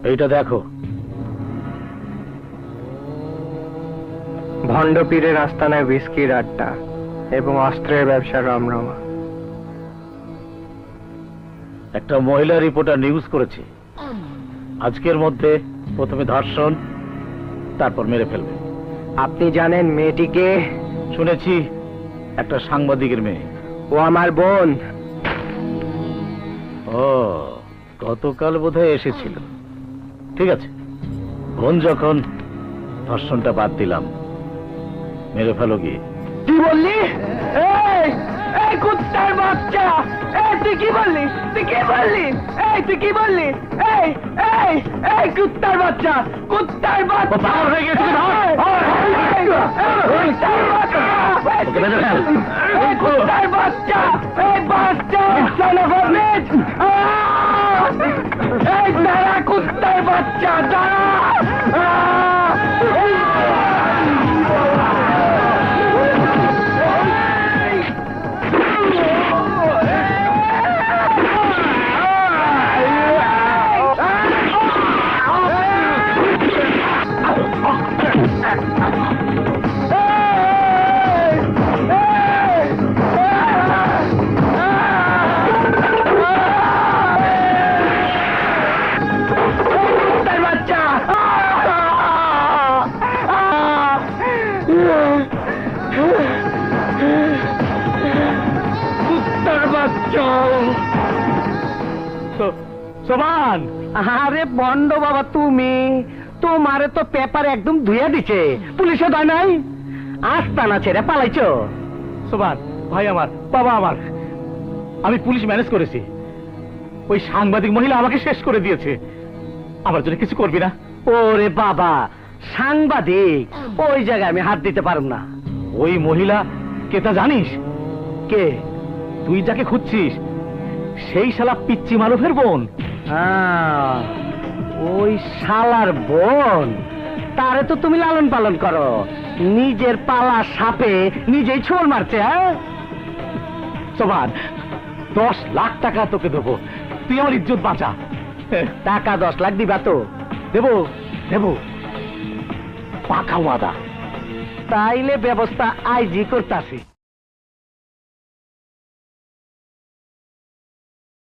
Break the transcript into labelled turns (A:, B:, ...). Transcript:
A: এইটা দেখো।
B: ভণ্ড পীরের আস্তানায় হুইস্কির আড্ডা এবং অস্ত্রের ব্যবসা রমরমা।
A: একটা মহিলা রিপোর্টার নিউজ করেছে আজকের মধ্যে প্রথমে ধর্ষণ, তারপর মেরে ফেলবে।
B: আপনি জানেন মেয়েটিকে?
A: শুনেছি একটা সাংবাদিকের মেয়ে।
B: ও আমার বোন।
A: ও, গতকাল বোধহয় এসেছিল। ঠিক আছে, বোন যখন, ধর্ষণটা বাদ দিলাম, মেরে ফেলো গিয়ে।
B: কি বললি? এই কুত্তার বাচ্চা! তুই কি বললি? তুই কি বললি? তুই কি বললি? এই কুত্তার বাচ্চা! কুত্তার বাচ্চা!
A: পাগল হয়ে গেছে কি?
B: কুত্তার বাচ্চা! এই বাচ্চা! son of a bitch! এই দাঁড়া কুত্তার বাচ্চা! দাঁড়া!
A: সোমান!
B: আরে বন্ড বাবা, তুমি তোমারে তো পেপার একদম ধুইয়া দিছে, পুলিশে দেয় নাই, আস্তানা ছেড়ে পালাইছো।
A: সোমান ভাই আমার, বাবা আমার, আমি পুলিশ ম্যানেজ করেছি। ওই সাংবাদিক মহিলা আমাকে শেষ করে দিয়েছে। আমার জন্য কিছু করবি না?
B: ওরে বাবা, সাংবাদিক ওই জায়গায় আমি হাত দিতে পারব না।
A: ওই মহিলা কে তা জানিস?
B: কে?
A: তুই যাকে খুঁজছিস সেই শালা পিচ্চি মারুফের বোন।
B: ওই শালার বোন, তারে তো তুমি লালন পালন করো, নিজের পালা সাপে নিজেই ছোড় মারছে। হ্যাঁ
A: সোমান, 10 লাখ টাকা তোকে দেবো, তুই আমার ইজ্জত বাঁচা।
B: টাকা 10 লাখ দিবা তো?
A: দেবো দেবো, পাকা ওয়াদা।
B: তাইলে ব্যবস্থা আইজি করতাছি।